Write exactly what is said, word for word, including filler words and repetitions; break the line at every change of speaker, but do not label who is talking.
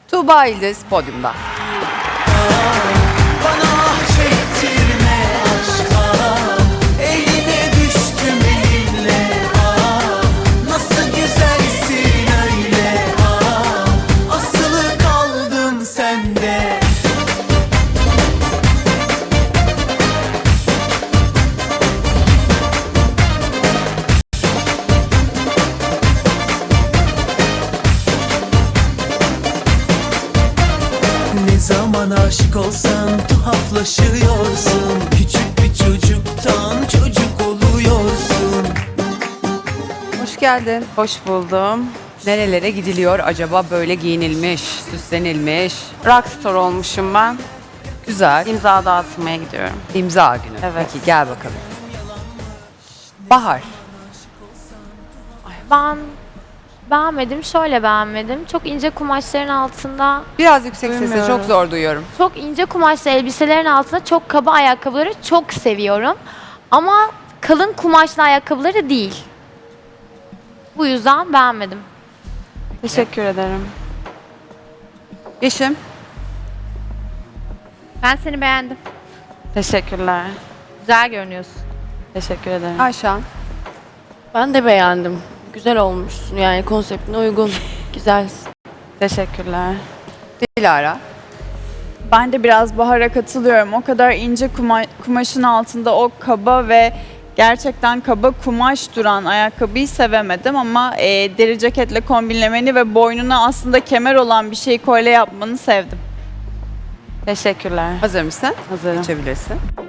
Tuğba İldiz podyumda.
Bana çektirme aşka, eline düştüm elinle. Aa, nasıl güzelsin öyle. Aa, asılı kaldım sende. Ne zaman aşık olsan tuhaflaşıyorsun. Küçük bir çocuktan çocuk oluyorsun.
Hoş geldin.
Hoş buldum.
Nerelere gidiliyor acaba böyle giyinilmiş, süslenilmiş?
Rockstar olmuşum ben.
Güzel.
İmza dağıtmaya gidiyorum.
İmza günü.
Evet.
Peki gel bakalım. Bahar.
Ben beğenmedim, şöyle beğenmedim. Çok ince kumaşların altında,
Biraz yüksek sesle
Duymuyorum.
çok zor duyuyorum.
çok ince kumaşlı elbiselerin altında çok kaba ayakkabıları çok seviyorum. Ama kalın kumaşlı ayakkabıları değil. Bu yüzden beğenmedim.
Teşekkür ederim.
Yeşim.
Ben seni beğendim.
Teşekkürler.
Güzel görünüyorsun.
Teşekkür ederim.
Ayşan.
Ben de beğendim. Güzel olmuşsun yani konseptine uygun. Güzelsin.
Teşekkürler.
Dilara.
Ben de biraz Bahar'a katılıyorum. O kadar ince kuma- kumaşın altında o kaba ve gerçekten kaba kumaş duran ayakkabıyı sevemedim ama e, deri ceketle kombinlemeni ve boynuna aslında kemer olan bir şeyi kolye yapmanı sevdim.
Teşekkürler.
Hazır mısın?
Hazırım.
Geçebilirsin.